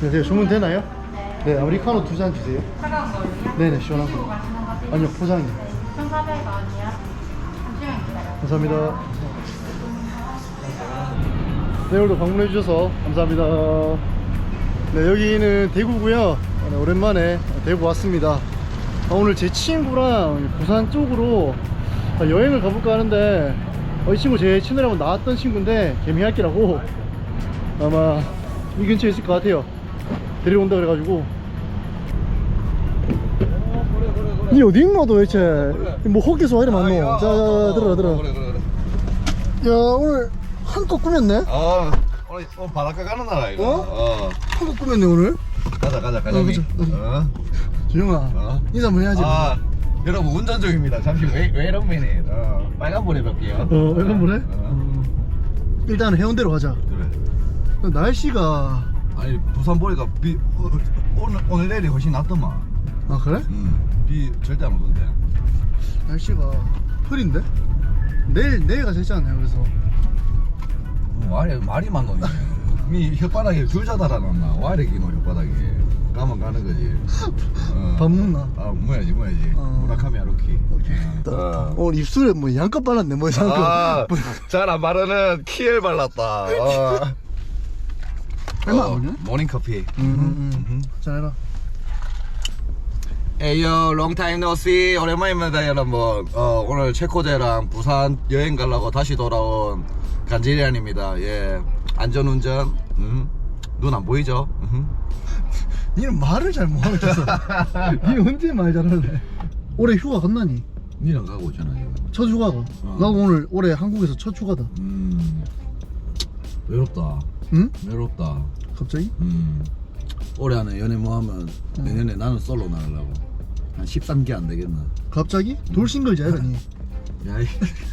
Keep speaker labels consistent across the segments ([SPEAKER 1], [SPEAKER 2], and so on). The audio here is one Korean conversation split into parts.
[SPEAKER 1] 네, 주문 되나요? 네, 아메리카노 2잔 주세요.
[SPEAKER 2] 차가운 거요?
[SPEAKER 1] 네네, 시원한
[SPEAKER 2] 드시고
[SPEAKER 1] 거.
[SPEAKER 2] 가시는 거세요?
[SPEAKER 1] 아니요, 포장이요.
[SPEAKER 2] 네, 2,400원이요. 잠시만 기다려요.
[SPEAKER 1] 감사합니다. 네, 오늘도 방문해 주셔서 감사합니다. 네, 여기는 대구고요. 네, 오랜만에 대구 왔습니다. 오늘 제 친구랑 부산 쪽으로 여행을 가볼까 하는데 이 친구 제 채널에 한번 나왔던 친구인데 개미할기라고 아마 이 근처에 있을 것 같아요. 데려온다 그래가지고. 니 어디 있노 도대체? 뭐 헛개소 이래 많노? 자, 들어라. 야, 오늘 한껏 꾸몄네?
[SPEAKER 3] 오늘 바닷가 가는 날아 이거.
[SPEAKER 1] 한껏 꾸몄네 오늘.
[SPEAKER 3] 가자.
[SPEAKER 1] 가자. 준영아, 인사 한번 해야지.
[SPEAKER 3] 여러분 운전 중입니다. 잠시 wait a minute. 빨간불에 볼게요.
[SPEAKER 1] 왜 그래? 일단 해운대로 가자.
[SPEAKER 3] 그래.
[SPEAKER 1] 날씨가
[SPEAKER 3] 아니 부산 보니까 비 오늘 내일이 훨씬 낫더만.
[SPEAKER 1] 아 그래?
[SPEAKER 3] 비 절대 안 오던데.
[SPEAKER 1] 날씨가 흐린데? 내일 가자 했잖아요. 그래서
[SPEAKER 3] 말이 많노니. 미 혓바닥에 줄 자달아놨나? 와 이래 기노 혓바닥에. 가면 가는 거지.
[SPEAKER 1] 밥 먹나?
[SPEAKER 3] 뭐야지. 무라카미 하루키.
[SPEAKER 1] 오늘 입술에 뭐 양껏 발랐네. 뭐 양껏.
[SPEAKER 3] 잘 안 바르는 키엘 발랐다.
[SPEAKER 1] 얼마 안 오냐?
[SPEAKER 3] 모닝커피.
[SPEAKER 1] 잘해라.
[SPEAKER 3] 에이요 롱타임 노씨 오랜만입니다 여러분. 오늘 체코제랑 부산 여행 가려고 다시 돌아온 간지리안입니다. 예, 안전운전. 눈 안 보이죠?
[SPEAKER 1] 니는 말을 잘 못하고 있었어. 니 언제 말 잘할래? 올해 휴가 갔나니?
[SPEAKER 3] 니랑 가고 있잖아 지금.
[SPEAKER 1] 첫 휴가가. 나 오늘 올해 한국에서 첫 휴가다.
[SPEAKER 3] 외롭다.
[SPEAKER 1] 응?
[SPEAKER 3] 외롭다.
[SPEAKER 1] 갑자기?
[SPEAKER 3] 올해 안에 연애 뭐 하면 내년에 나는 솔로 나가려고. 한 13개 안 되겠나?
[SPEAKER 1] 갑자기? 돌싱글지 아니라니.
[SPEAKER 3] 야이.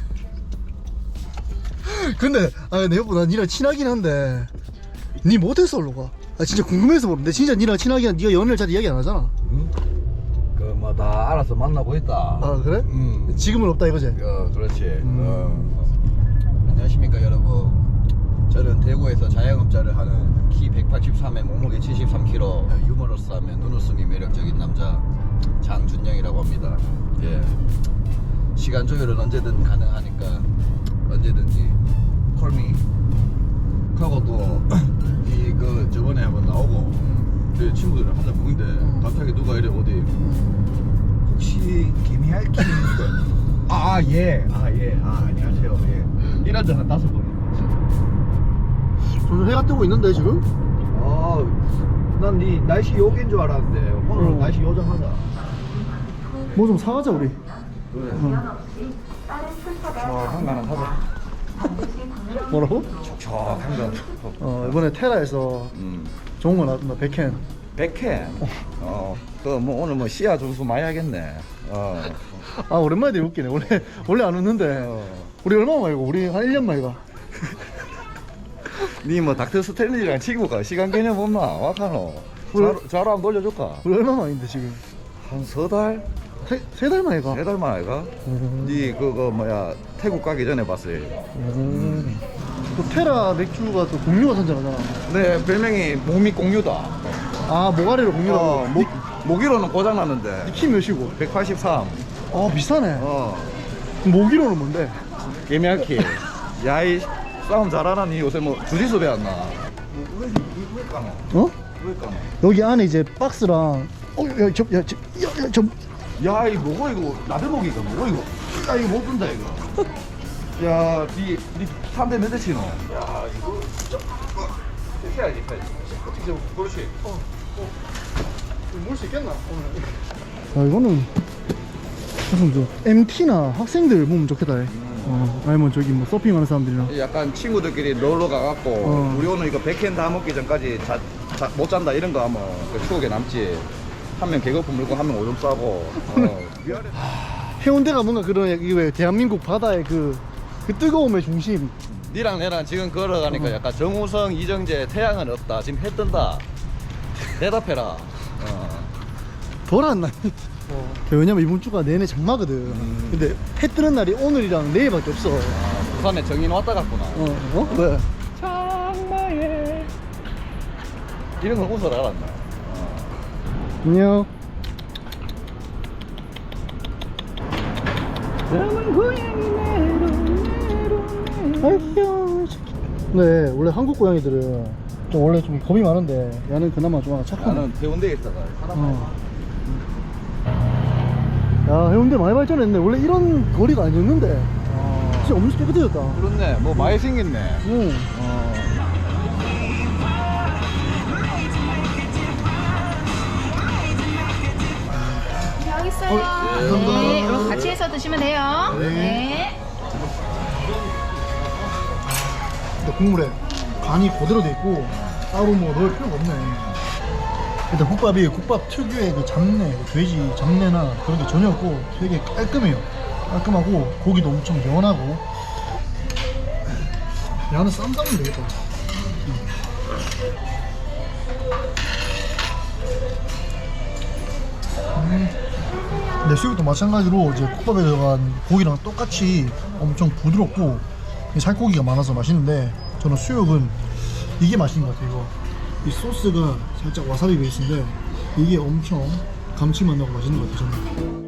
[SPEAKER 1] 근데 내 여보 나 니랑 친하긴 한데 니 못해서 올로 가. 진짜 궁금해서 모르는데 진짜 니랑 친하긴 한데 니가 연애를 잘 이야기 안 하잖아.
[SPEAKER 3] 그 뭐 다 알아서 만나고 있다.
[SPEAKER 1] 아 그래? 지금은 없다 이거지?
[SPEAKER 3] 그렇지. 안녕하십니까 여러분. 저는 대구에서 자영업자를 하는 키 183에 몸무게 73kg 유머러스하며 눈웃음이 매력적인 남자 장준영이라고 합니다. 예. 시간 조율은 언제든 가능하니까 언제든지 콜미. 하고 또 저번에 한번 나오고 내 친구들이랑 한잔 먹는데 갑자기 누가 이래 어디 혹시 김희알키 예. 안녕하세요. 예. 이런 데한 5번.
[SPEAKER 1] 저는 해가 뜨고 있는데 지금?
[SPEAKER 3] 난 네 날씨 요기인 줄 알았는데 오늘 날씨 요정하다.
[SPEAKER 1] 뭐 좀 사가자 우리.
[SPEAKER 3] 그래. 한가는 사자.
[SPEAKER 1] 뭐라고?
[SPEAKER 3] 촉촉한 거.
[SPEAKER 1] 이번에 테라에서 좋은 거 나왔다. 백캔.
[SPEAKER 3] 백캔. 뭐 오늘 뭐 씨앗 점수 많이 하겠네.
[SPEAKER 1] 오랜만에 되게 웃기네. 원래 안 웃는데 우리 얼마 만에 가? 우리 한 1년 만에 가.
[SPEAKER 3] 니 뭐 닥터 스탠리랑 친구가 시간 개념 없나? 와카노. 자로 한번 돌려줄까?
[SPEAKER 1] 우리 얼마 만인데 지금?
[SPEAKER 3] 한 3달?
[SPEAKER 1] 세 달 만에 가.
[SPEAKER 3] 3달 만에 가? 니 그거 뭐야 태국 가기 전에 봤어요.
[SPEAKER 1] 또 테라 맥주가 또 공유가 선전하잖아.
[SPEAKER 3] 네, 별명이 몸이 공유다.
[SPEAKER 1] 모가리로 공유라고.
[SPEAKER 3] 모기로는 고장났는데
[SPEAKER 1] 키 몇이고?
[SPEAKER 3] 183.
[SPEAKER 1] 비싸네. 모기로는 뭔데?
[SPEAKER 3] 개미할키. 야이 싸움 잘하나 니 요새 뭐 주짓수 배웠나? 왜 까노?
[SPEAKER 1] 여기 안에 이제 박스랑
[SPEAKER 3] 야, 이 뭐고 이거 나들목이가 뭐고 이거? 야, 이거 못 든다 이거. 야, 니 3대 몇 대 치노? 야, 이거 해야지. 어떻게 그렇지.
[SPEAKER 1] 몰 수 있겠나? 이거는 무슨 MT나 학생들 보면 좋겠다. 아니면 저기 뭐 서핑하는 사람들이랑.
[SPEAKER 3] 약간 친구들끼리 놀러 가갖고 우리 오늘 이거 백캔 다 먹기 전까지 못 잔다 이런 거 하면 그 추억에 남지. 한 명 개거품 물고 한 명 오줌 싸고.
[SPEAKER 1] 해운대가 뭔가 그런 왜 대한민국 바다의 그 뜨거움의 중심.
[SPEAKER 3] 니랑 내랑 지금 걸어가니까 약간 정우성, 이정재, 태양은 없다. 지금 해 뜬다. 대답해라.
[SPEAKER 1] 덜 안 나니. 왜냐면 이번 주가 내내 장마거든. 근데 해 뜨는 날이 오늘이랑 내일밖에 없어.
[SPEAKER 3] 부산에 정인 왔다 갔구나.
[SPEAKER 1] 왜?
[SPEAKER 3] 장마에 이런 걸 웃어라 알았나?
[SPEAKER 1] 안녕. 네, 원래 한국 고양이들은 좀 원래 좀 겁이 많은데 얘는 그나마 좀 착하네.
[SPEAKER 3] 나는 해운대에 있다가
[SPEAKER 1] 야, 해운대 많이 발전했네. 원래 이런 거리가 아니었는데 진짜 엄청 깨끗해졌다.
[SPEAKER 3] 그렇네. 뭐 많이 생겼네.
[SPEAKER 1] 응.
[SPEAKER 2] 여기 있어요.
[SPEAKER 1] 감사합니다.
[SPEAKER 2] 네, 그럼 같이 해서 드시면 돼요.
[SPEAKER 1] 네.
[SPEAKER 2] 네.
[SPEAKER 1] 근데 국물에 간이 그대로 돼 있고 따로 뭐 넣을 필요가 없네. 일단 국밥이 국밥 특유의 그 잡내, 돼지 잡내나 그런 게 전혀 없고 되게 깔끔해요. 깔끔하고 고기도 엄청 연하고. 야는 쌈 싸면 되겠다. 근데 수육도 마찬가지로 이제 국밥에 들어간 고기랑 똑같이 엄청 부드럽고 살코기가 많아서 맛있는데, 저는 수육은 이게 맛있는 것 같아요. 이 소스가 살짝 와사비 베이스인데 이게 엄청 감칠맛 나고 맛있는 것 같아요, 저는.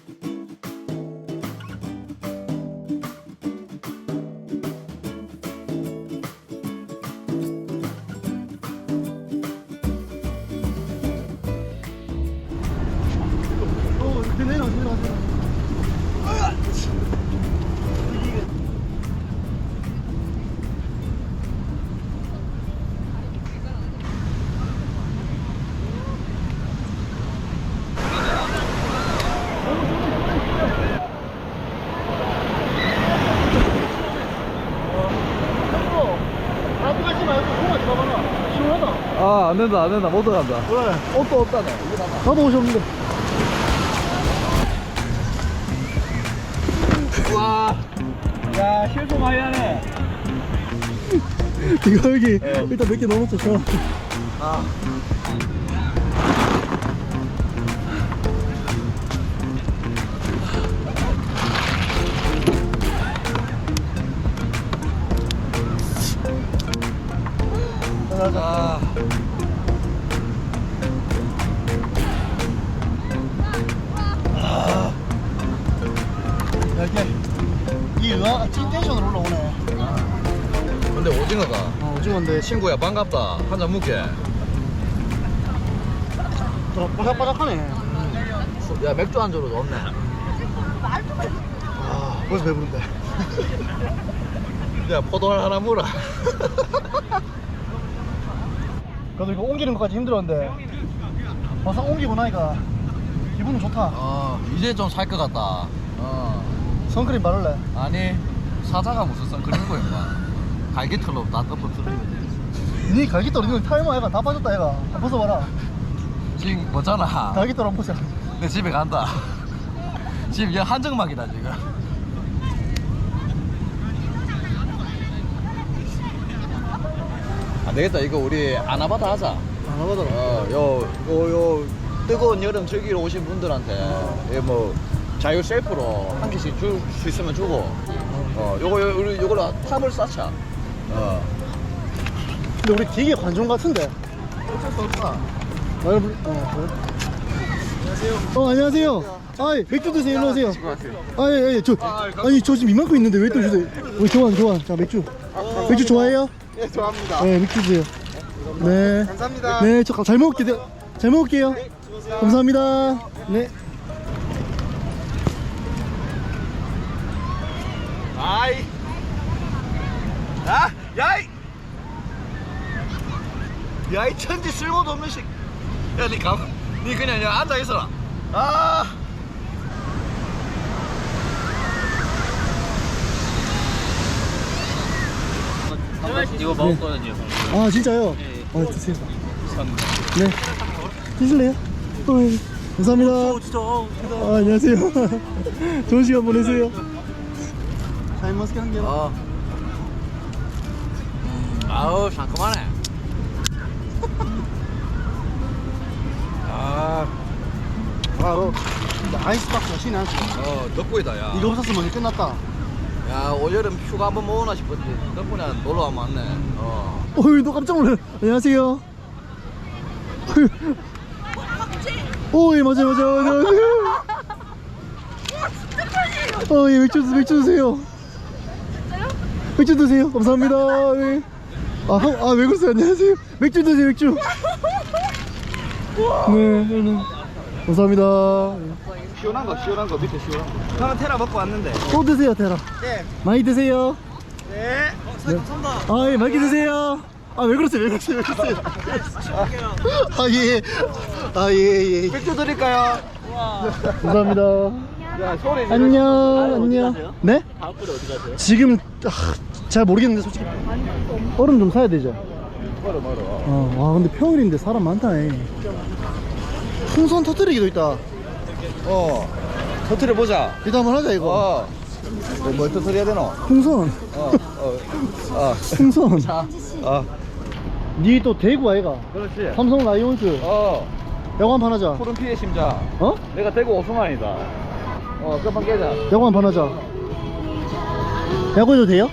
[SPEAKER 3] 아, 안 된다, 안 된다. 못 들어간다.
[SPEAKER 1] 그래,
[SPEAKER 3] 옷도 없다네.
[SPEAKER 1] 나도 오셨는데.
[SPEAKER 3] 와. 야, 실수 많이 하네.
[SPEAKER 1] 이거 여기 일단 몇 개 넣어놓자.
[SPEAKER 3] 아. 아.
[SPEAKER 1] 이렇게 이 의아가 찐텐션으로 올라오네.
[SPEAKER 3] 근데 오징어가
[SPEAKER 1] 오징어인데
[SPEAKER 3] 친구야 반갑다. 한잔 묵게.
[SPEAKER 1] 바삭바삭하네.
[SPEAKER 3] 야, 맥주 한 잔으로 넣었네.
[SPEAKER 1] 아, 벌써 배부른데.
[SPEAKER 3] 야, 포도알 하나 물어.
[SPEAKER 1] 그래도 이거 옮기는 것까지 힘들었는데 막상 옮기고 나니까 기분은 좋다.
[SPEAKER 3] 이제 좀 살 것 같다.
[SPEAKER 1] 선크림 바를래?
[SPEAKER 3] 아니, 사자가 무슨 선크림이고 임마. 갈기털로 다 덮어뜨려.
[SPEAKER 1] 니 갈기털 이거 탈모 애가 다 빠졌다 애가. 한번 벗어봐라.
[SPEAKER 3] 지금 뭐잖아.
[SPEAKER 1] 갈기털 한번 보자.
[SPEAKER 3] 내 집에 간다. 지금 얘 한정막이다 지금. 안 되겠다. 이거 우리 아나바다 하자.
[SPEAKER 1] 안 하더라.
[SPEAKER 3] 요 뜨거운 여름 즐기러 오신 분들한테 뭐 자유 셀프로 한 개씩 줄 수 있으면 주고. 요걸로 탑을 쌓자.
[SPEAKER 1] 근데 우리 되게 관종 같은데.
[SPEAKER 3] 어쩔 수 없다.
[SPEAKER 1] 그래? 안녕하세요. 아이, 맥주 드세요. 일로 오세요. 아니, 저 지금 이만큼 있는데 왜 또 주세요? 교환. 자, 맥주. 맥주 좋아해요?
[SPEAKER 4] 네, 좋아합니다.
[SPEAKER 1] 네, 맥주 주세요. 네.
[SPEAKER 4] 감사합니다.
[SPEAKER 1] 네, 저 잘 먹을게요. 잘 먹을게요. 감사합니다. 네.
[SPEAKER 3] 아이. 야이. 야이 천지 쓸모도 없는 식. 야, 니 그냥 여기 앉아 있어라.
[SPEAKER 5] 이거 먹었거든요.
[SPEAKER 1] 아, 진짜요? 드세요. 네. 드실래요? 감사합니다. 진짜. 안녕하세요. 좋은 시간 보내세요. 잘 먹게 한 개.
[SPEAKER 5] 아우 상큼하네.
[SPEAKER 1] 바로 아이스박스가 신의 한 수.
[SPEAKER 3] 덕분이다 야.
[SPEAKER 1] 이거 없었으면 이제 끝났다.
[SPEAKER 3] 야, 올여름 휴가 한번 모으나 싶었지. 덕분에 놀러 와면 왔네.
[SPEAKER 1] 어이, 너 깜짝 놀래. 안녕하세요. 오, 예, 맞아요. 예, 맥주 드세요. 맥주 드세요. 감사합니다. 예. 왜 그러세요? 안녕하세요. 맥주 드세요, 맥주. 네. 감사합니다.
[SPEAKER 3] 시원한 거 밑에 시원한 거. 형은 테라 먹고 왔는데.
[SPEAKER 1] 또 드세요, 테라.
[SPEAKER 3] 네.
[SPEAKER 1] 많이 드세요.
[SPEAKER 3] 네. 감사합니다.
[SPEAKER 1] 예, 맛있게 드세요. 왜 그러세요? 예.
[SPEAKER 3] 맥주 드릴까요?
[SPEAKER 1] 감사합니다.
[SPEAKER 3] 야, 소리 지르-
[SPEAKER 1] 안녕. 네?
[SPEAKER 5] 다음 분에 어디 가세요?
[SPEAKER 1] 지금 잘 모르겠는데 솔직히 얼음 좀 사야 되죠.
[SPEAKER 3] 멀어.
[SPEAKER 1] 와 근데 평일인데 사람 많다. 풍선 터뜨리기도 있다.
[SPEAKER 3] 터트려 보자.
[SPEAKER 1] 이거 한번 하자 이거.
[SPEAKER 3] 뭘 터트려야 되노?
[SPEAKER 1] 풍선. 풍선. 니 또 대구 아이가?
[SPEAKER 3] 그렇지.
[SPEAKER 1] 삼성 라이온즈. 야구 한판 하자.
[SPEAKER 3] 푸른 피의 심장.
[SPEAKER 1] 어?
[SPEAKER 3] 내가 대구 오승환이다. 끝만 깨자.
[SPEAKER 1] 야구 한판 하자. 야구 해도 돼요?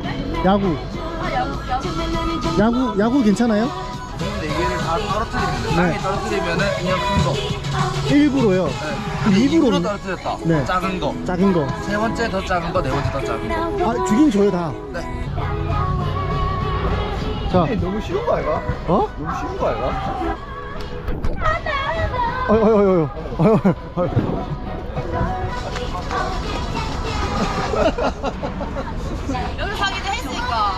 [SPEAKER 1] 야구 괜찮아요?
[SPEAKER 3] 근데 이게 다 떨어뜨리면
[SPEAKER 1] 땅에
[SPEAKER 3] 떨어뜨리면은 그냥 큰 거.
[SPEAKER 1] 일부러요. 일부러
[SPEAKER 3] 떨어뜨렸다.
[SPEAKER 1] 네.
[SPEAKER 3] 작은 거.
[SPEAKER 1] 작은 거.
[SPEAKER 3] 세 번째 더 작은 거, 네 번째 더 작은 거.
[SPEAKER 1] 주긴 줘요 다.
[SPEAKER 3] 네.
[SPEAKER 1] 자,
[SPEAKER 3] 너무 쉬운 거 아이가?
[SPEAKER 1] 어?
[SPEAKER 3] 너무 쉬운 거 아이가?
[SPEAKER 1] 어유.
[SPEAKER 2] 여기 가기도 했으니까.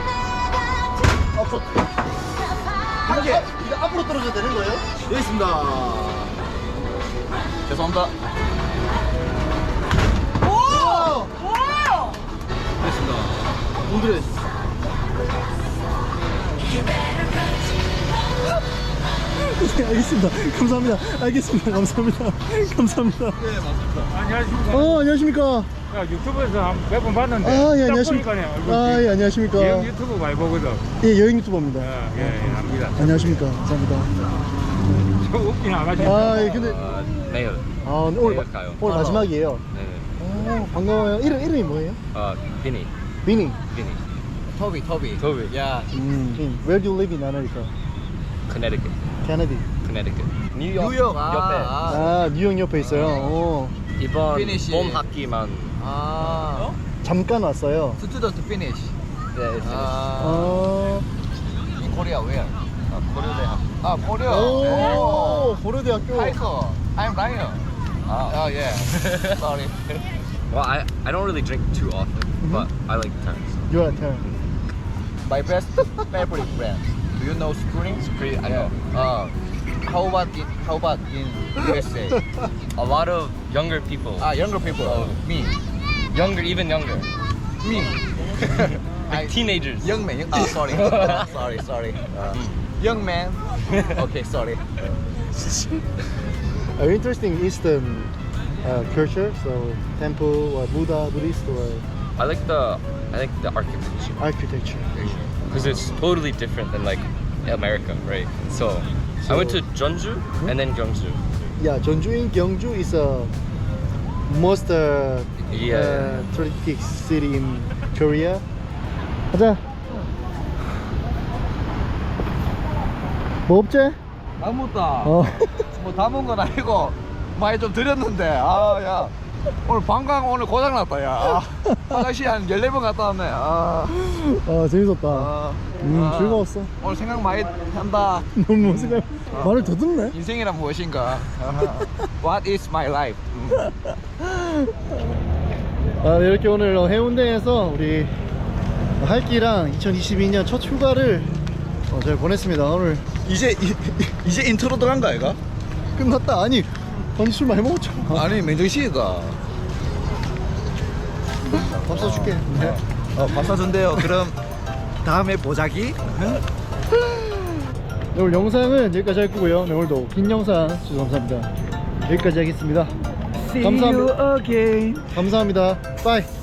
[SPEAKER 1] 이게 앞으로 떨어져야 되는 거예요?
[SPEAKER 3] 여기 있습니다. 죄송합니다.
[SPEAKER 2] 오!
[SPEAKER 3] 됐습니다.
[SPEAKER 1] 오늘의 네, 알겠습니다. 감사합니다. 알겠습니다. 감사합니다. 감사합니다.
[SPEAKER 3] 네, 맞습니다.
[SPEAKER 4] 안녕하십니까.
[SPEAKER 1] 안녕하십니까.
[SPEAKER 4] 야, 유튜브에서 몇 번 봤는데.
[SPEAKER 1] 예,
[SPEAKER 4] 딱
[SPEAKER 1] 안녕하십니까.
[SPEAKER 4] 보니까네, 얼굴이.
[SPEAKER 1] 예, 안녕하십니까.
[SPEAKER 4] 형 유튜브 많이 보거든.
[SPEAKER 1] 예, 여행 유튜버입니다.
[SPEAKER 4] 예, 압니다.
[SPEAKER 1] 안녕하십니까. 감사합니다.
[SPEAKER 4] 저 웃긴 아가씨.
[SPEAKER 1] 예, 근데
[SPEAKER 5] 내일.
[SPEAKER 1] 오늘
[SPEAKER 5] 내일 가요.
[SPEAKER 1] 오늘 마지막이에요.
[SPEAKER 5] 네.
[SPEAKER 1] 반가워요. 이름이 뭐예요?
[SPEAKER 5] 비니.
[SPEAKER 1] 비니.
[SPEAKER 3] 토비.
[SPEAKER 5] 토비.
[SPEAKER 3] 야.
[SPEAKER 1] Where do you live in America?
[SPEAKER 5] Connecticut.
[SPEAKER 1] Canada.
[SPEAKER 5] Connecticut. 뉴욕.
[SPEAKER 3] 뉴욕.
[SPEAKER 5] 옆에.
[SPEAKER 1] 뉴욕 옆에 있어요.
[SPEAKER 5] 이번
[SPEAKER 3] 피니시.
[SPEAKER 5] 봄 학기만.
[SPEAKER 1] 잠깐 왔어요.
[SPEAKER 3] Student finish.
[SPEAKER 5] 네.
[SPEAKER 3] In Korea where?
[SPEAKER 5] 고려대학.
[SPEAKER 3] Korea.
[SPEAKER 1] 오, 고려대학교.
[SPEAKER 3] Hiker. I'm Ryan. Yeah. Sorry.
[SPEAKER 5] Well, I don't really drink too often, but I like turns.
[SPEAKER 1] Your turn.
[SPEAKER 3] My best favorite brand. Do you know Spring?
[SPEAKER 5] Spring, I know.
[SPEAKER 3] How about in USA?
[SPEAKER 5] A lot of younger people.
[SPEAKER 3] Younger people. Me.
[SPEAKER 5] Even younger.
[SPEAKER 3] Me.
[SPEAKER 5] Like teenagers.
[SPEAKER 3] Young man. Sorry. sorry. Young man. Okay, sorry.
[SPEAKER 1] Interesting Eastern culture, so temple or Buddhist or
[SPEAKER 5] I like the architecture
[SPEAKER 1] architecture.
[SPEAKER 5] because it's totally different than like America, right? So I went to Jeonju and then Gyeongju.
[SPEAKER 1] Yeah, Jeonju in Gyeongju is a most
[SPEAKER 5] Yeah.
[SPEAKER 1] touristic city in Korea. 가자. 뭐 없지?
[SPEAKER 3] 아무것도.
[SPEAKER 1] 어.
[SPEAKER 3] 뭐 담은 건 아니고 많이 좀 드렸는데 야 오늘 방광 오늘 고장났다 야 화장실 한 14번 갔다 왔네
[SPEAKER 1] 재밌었다. 즐거웠어.
[SPEAKER 3] 오늘 생각 많이 한다.
[SPEAKER 1] 너무 생각 말을 더듬네.
[SPEAKER 3] 인생이란 무엇인가. What is my life?
[SPEAKER 1] 이렇게 오늘 해운대에서 우리 할기랑 2022년 첫 휴가를 잘 보냈습니다. 오늘
[SPEAKER 3] 이제 인트로 들어간 거 아이가?
[SPEAKER 1] 끝났다. 아니 술 많이 먹었잖아.
[SPEAKER 3] 아니 맨정신이다.
[SPEAKER 1] 밥 사줄게.
[SPEAKER 3] 밥 사준대요. 그럼 다음에 보자기.
[SPEAKER 1] 네, 오늘 영상은 여기까지 할 거고요. 네, 오늘도 긴 영상 감사합니다. 여기까지 하겠습니다. 감사합니다.
[SPEAKER 3] again.
[SPEAKER 1] 감사합니다. 빠이.